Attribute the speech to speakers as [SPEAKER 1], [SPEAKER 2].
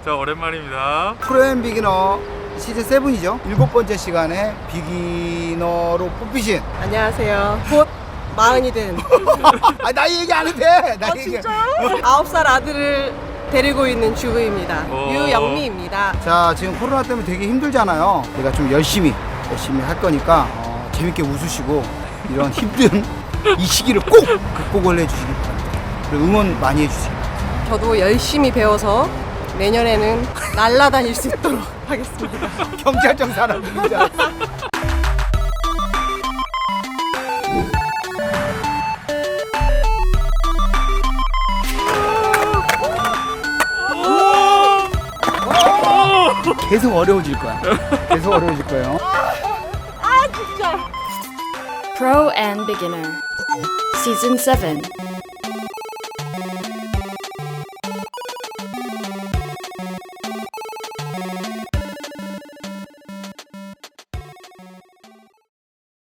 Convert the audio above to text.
[SPEAKER 1] 자, 오랜만입니다.
[SPEAKER 2] 프로엠 비기너 시즌 7이죠. 7번째 시간에 비기너로 뽑히신.
[SPEAKER 3] 안녕하세요. 곧 마흔이 된
[SPEAKER 2] 아, 나이 얘기 안 해도 돼. 나이 얘기.
[SPEAKER 3] 진짜요? 9살 아들을 데리고 있는 주부입니다.
[SPEAKER 1] 오.
[SPEAKER 3] 유영미입니다.
[SPEAKER 2] 자, 지금 코로나 때문에 되게 힘들잖아요. 내가 좀 열심히 할 거니까 재밌게 웃으시고 이런 힘든 이 시기를 꼭 극복을 해주시기 바랍니다. 그리고 응원 많이 해주세요.
[SPEAKER 3] 저도 열심히 배워서 내년에는 날아다닐 수 있도록 하겠습니다.
[SPEAKER 2] 경찰청 사람들인 줄 알았어. 계속 어려워질 거야. 계속 어려워질 거예요.
[SPEAKER 3] 아 진짜.
[SPEAKER 4] Pro and Beginner Season 7